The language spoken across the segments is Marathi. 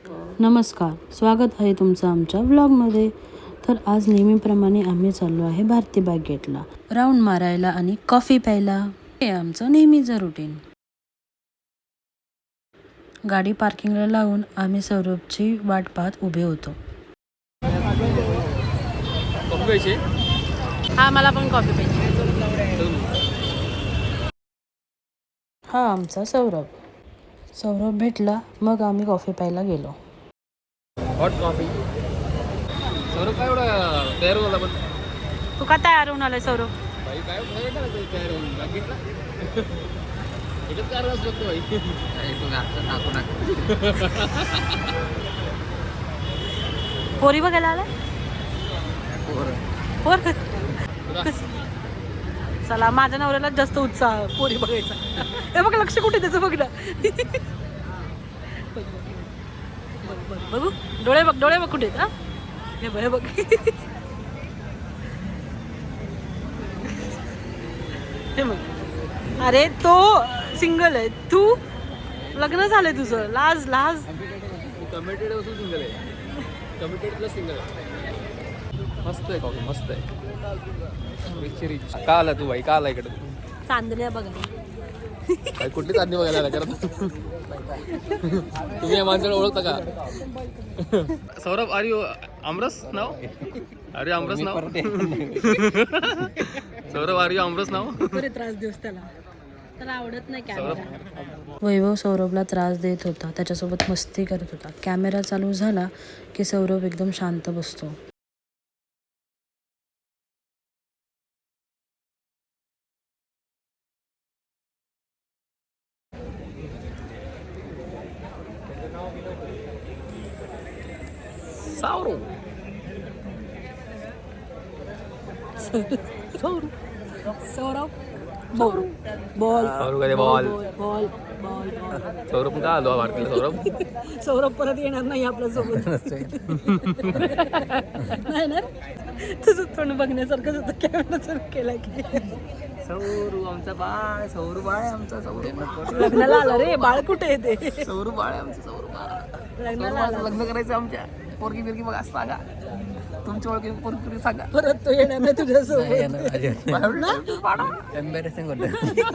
नमस्कार, स्वागत आहे तुमचं आमच्या व्लॉगमध्ये. तर आज नेहमीप्रमाणे आम्ही चाललो आहे भारती बाग गेटला राऊंड मारायला आणि कॉफी प्यायला. हे आमचं नेहमीचं रुटीन. गाडी पार्किंगला लावून आम्ही सौरभची वाट पाहत उभे होतो. हा, मला पण कॉफी पाहिजे. हा आमचा सौरभ भेटला, मग आम्ही कॉफी प्यायला गेलो. Hot coffee. सौरभ काय एवढा तयार होऊन आला पण? तू का तयार होऊन आलाय सौरभ? भाई काय तयार होऊन बघितलं एकच कारण असतो भाई. तुम्ही आता टाकू नका. पोरी बघायला आलाय? पोर चला, माझ्या नवऱ्याला जास्त उत्साह पोरी बघायचा. हे बघ, लक्ष कुठे त्याचं बघ ना. बघू, डोळे बघ कुठे आहेत. हा, हे बघ. हे बघ, अरे तो सिंगल आहे, तू लग्न झालंय तुझं. लाज. कमिटेड असून सिंगल आहे. कमिटेड प्लस सिंगल आहे. मस्त आहे कॉफी, मस्त आहे. रिच. का आला तू भाई? का आला इकडे? चांदण्या बघा. काय कुठली चांदणी बघायला आला करत? तुम्ही या माणसाला ओळखता का? सौरभ, आर यू आमरस नाव? अरे आमरस नाव. सौरभ, आर यू आमरस नाव? त्रास देऊस त्याला आवडत नाही कॅमेरा. वैभव सौरभला त्रास देत होता, त्याच्यासोबत मस्ती करत होता. कॅमेरा चालू झाला की सौरभ एकदम शांत बसतो. सौरभ बॉल. सौरभ का आलो भारतीला? सौरभ परत येणार नाही आपल्यासोबत. नाही ना, तुझं तोंड बघण्यासारखंच होतं कॅमेरा चालू केला की. सौरू आमचा बाळ, सौरू बाळ आहे आमचा. सौरू लग्नाला आला रे, बाळ कुठे येते? सौरू बाळ आहे आमचं. सौरू बाळ लग्नाला आला. लग्न करायचं आमच्या. पोरगी बिरगी बघा सांगा, तुमच्या ओळखी पोरगी सांगा. परत तो येणार नाही तुझ्यासोबत. एम्बॅरेसिंग होतं.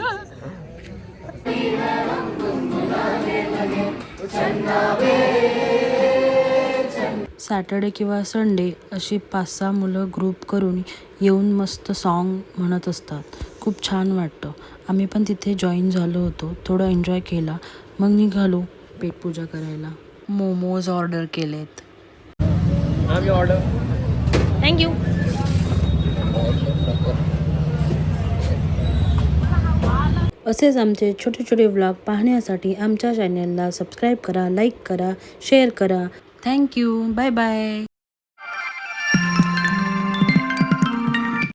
सॅटर्डे किंवा संडे अशी 5-6 मुलं ग्रुप करून येऊन मस्त सॉन्ग म्हणत असतात. खूप छान वाटतं. आम्ही पण तिथे जॉईन झालो होतो, थोडं एन्जॉय केला. मग निघालो पेटपूजा करायला. मोमोज ऑर्डर केलेत. ऑर्डर. थँक्यू. असेच आमचे छोटे छोटे व्लॉग पाहण्यासाठी आमच्या चॅनलला सबस्क्राईब करा, लाईक करा, शेअर करा. थँक्यू. Bye bye.